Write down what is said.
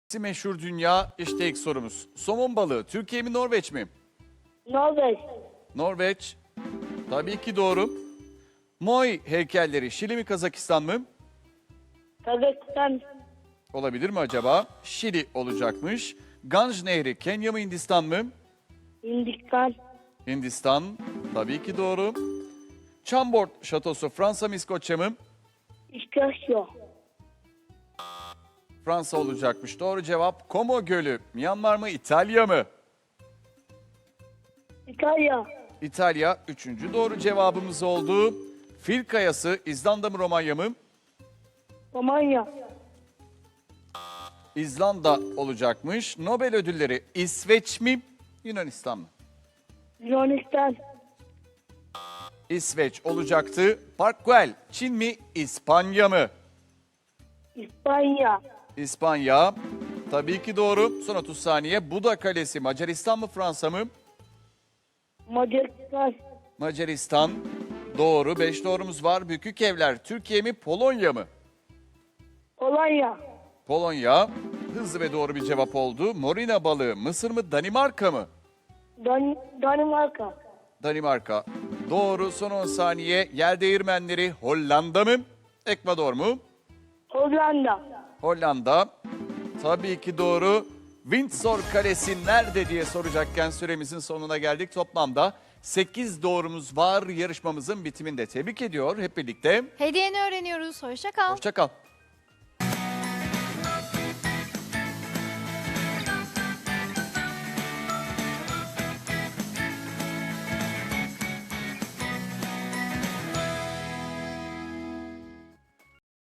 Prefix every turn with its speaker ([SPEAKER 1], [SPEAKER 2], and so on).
[SPEAKER 1] Meşhur dünya işte ilk sorumuz. Somon balığı Türkiye mi Norveç mi?
[SPEAKER 2] Norveç,
[SPEAKER 1] Norveç. Tabii ki doğru. Moai heykelleri Şili mi Kazakistan mı?
[SPEAKER 2] Kazakistan,
[SPEAKER 1] Olabilir mi acaba? Şili olacakmış. Ganj Nehri Kenya mı Hindistan mı?
[SPEAKER 2] Hindistan,
[SPEAKER 1] Hindistan. Tabii ki doğru. Chambord Şatosu Fransa mı İskoçya mı?
[SPEAKER 2] İskoçya,
[SPEAKER 1] Fransa olacakmış. Doğru cevap. Como Gölü Myanmar mı İtalya mı?
[SPEAKER 2] İtalya,
[SPEAKER 1] İtalya. Üçüncü doğru cevabımız oldu. Fil Kayası İzlanda mı Romanya mı?
[SPEAKER 2] Romanya,
[SPEAKER 1] İzlanda olacakmış. Nobel ödülleri İsveç mi Yunanistan mı?
[SPEAKER 2] Yunanistan,
[SPEAKER 1] İsveç olacaktı. Park Güell Çin mi İspanya mı?
[SPEAKER 2] İspanya,
[SPEAKER 1] İspanya. Tabii ki doğru. Son 30 saniye. Buda Kalesi Macaristan mı Fransa mı?
[SPEAKER 2] Macaristan,
[SPEAKER 1] Macaristan. Doğru. 5 doğrumuz var. Bükük Evler Türkiye mi Polonya mı?
[SPEAKER 2] Polonya,
[SPEAKER 1] Polonya. Hızlı ve doğru bir cevap oldu. Morina balığı Mısır mı Danimarka mı?
[SPEAKER 2] Danimarka,
[SPEAKER 1] Danimarka. Doğru. Son 10 saniye. Yer değirmenleri Hollanda mı? Ekvador mu?
[SPEAKER 2] Hollanda,
[SPEAKER 1] Hollanda. Tabii ki doğru. Windsor Kalesi nerede diye soracakken süremizin sonuna geldik. Toplamda 8 doğrumuz var yarışmamızın bitiminde. Tebrik ediyor hep birlikte.
[SPEAKER 3] Hediyeni öğreniyoruz. Hoşça kal.
[SPEAKER 1] Hoşça kal.